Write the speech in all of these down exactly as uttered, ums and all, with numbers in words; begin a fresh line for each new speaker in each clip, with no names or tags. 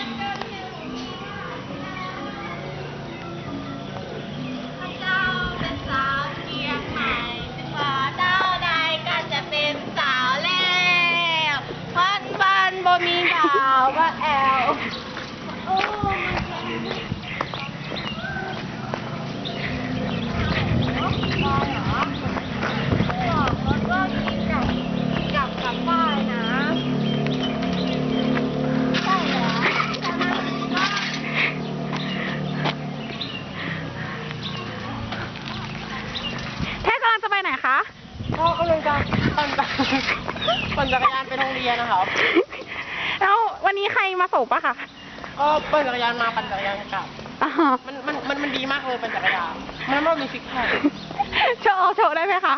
เจ้าเป็นสาวเชียงใหม่ถึงว่าเจ้าใดก็จะเป็นสาวแล้วพันบันบ่มีดาวว่าแอลโอ้มันเหรอบอกรถว่ากินกับกับกับป้ายนะใช่เหรอใช่ไหม
แค่กำลังจะไปไหนคะ
ก็กำลังจะปั่นจักรปั่นจักรยานไปโรงเรียนนะครับ
แล้ววันนี้ใครมาส่งปะคะ
ก็ปั่นจักรยานมาปั่นจักรยานกลับ
อ๋อ
มันมันมันมันดีมากเลยปั่นจักรยานมันไม่มีซิกแพค
โชว์โชว์ได้ไหมคะ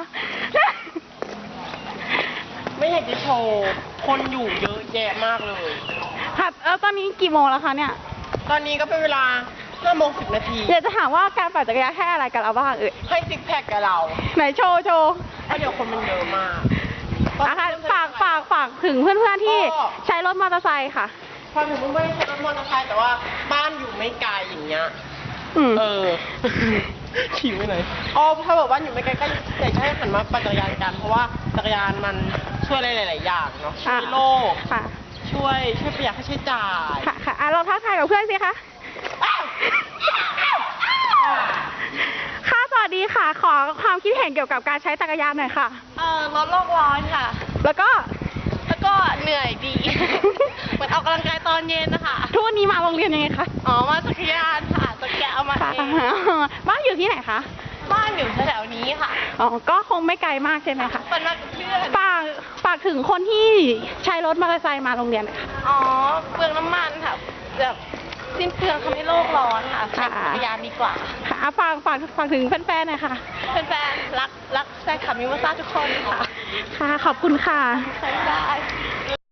ไม่อยากจะโชว์ คนอยู่เยอะแยะมากเลย
ค่ะแล้วตอนนี้กี่โมงแล้วคะเนี่ย
ตอนนี้ก็เป็นเวลาห้าโมงสิบนาที
อยากจะถามว่าการปั่นจักรยานให้อะไรกับเราบ้างเอ่ย
ให้ซิกแพคกับเรา
ไหนโชว์โชว์
เพราะเดี๋ยวคนมันเยอะมาก
อ่ะค่ะฝากฝากฝากถึงเพื่อนๆที่ใช้รถมอเตอร์ไซค์ค่ะ
พอถึงไม่ได้ใช้รถมอเตอร์ไซค์แต่ว่าบ้านอยู่ไม่ไกลอย่างเงี้ย
อืม
เออ ขี่ไปไหนอ๋อถ้าบอกว่าอยู่ไม่ไกลก็อยากจะให้หันมาปั่นจักรยานกัน เพราะว่าจักรยานมันช่วยอะไรหลาย ๆ อย่างเนาะ ช่วยโลก
ค่ะ
ช่วยช่วยประหยัดค่าใช้จ่าย
ค่ะค่ะอ่ะเราทักทายกับเพื่อนสิคะ ค่ะ สวัสดีค่ะ ขอความคิดเห็นเกี่ยวกับการใช้จักรยานหน่อยค่ะ
เอ่อลดโลกร้อนค่ะ
แล้วก็
แล้วก็เหนื่อยดี เหมือนออกกำลังกายตอนเย็นนะคะ
ทุกวันนี้มาโรงเรียนยังไงคะ
อ๋อ มาจักรยานค่ะจักรยานเอามา
ค่ะ
เอง
บ้านอยู่ที่ไหนคะ
บ้านอยู่แถวๆนี้ค่ะ
อ๋อ ก็คงไม่ไกลมากใช่ไหมคะ
เป็นมากับเพื่อน
ฝากฝากถึงคนที่ใช้รถมอเตอร์ไซค์มาโรงเรียนหน่อยค่ะ
อ๋อ เปลืองน้ำมันค่ะแบบสิ้นเปลืองทำให้โลกร้อนค่ะใช้จักรยานดีกว่า
ค่ะฝากฝากฝากถึงแฟนๆหน่อยค่ะ
แฟนๆรักรักแฟนคลับมิวซ่าทุกคนค่ะ
ค่ะ ขอบคุณค่ะ
ใช้ได้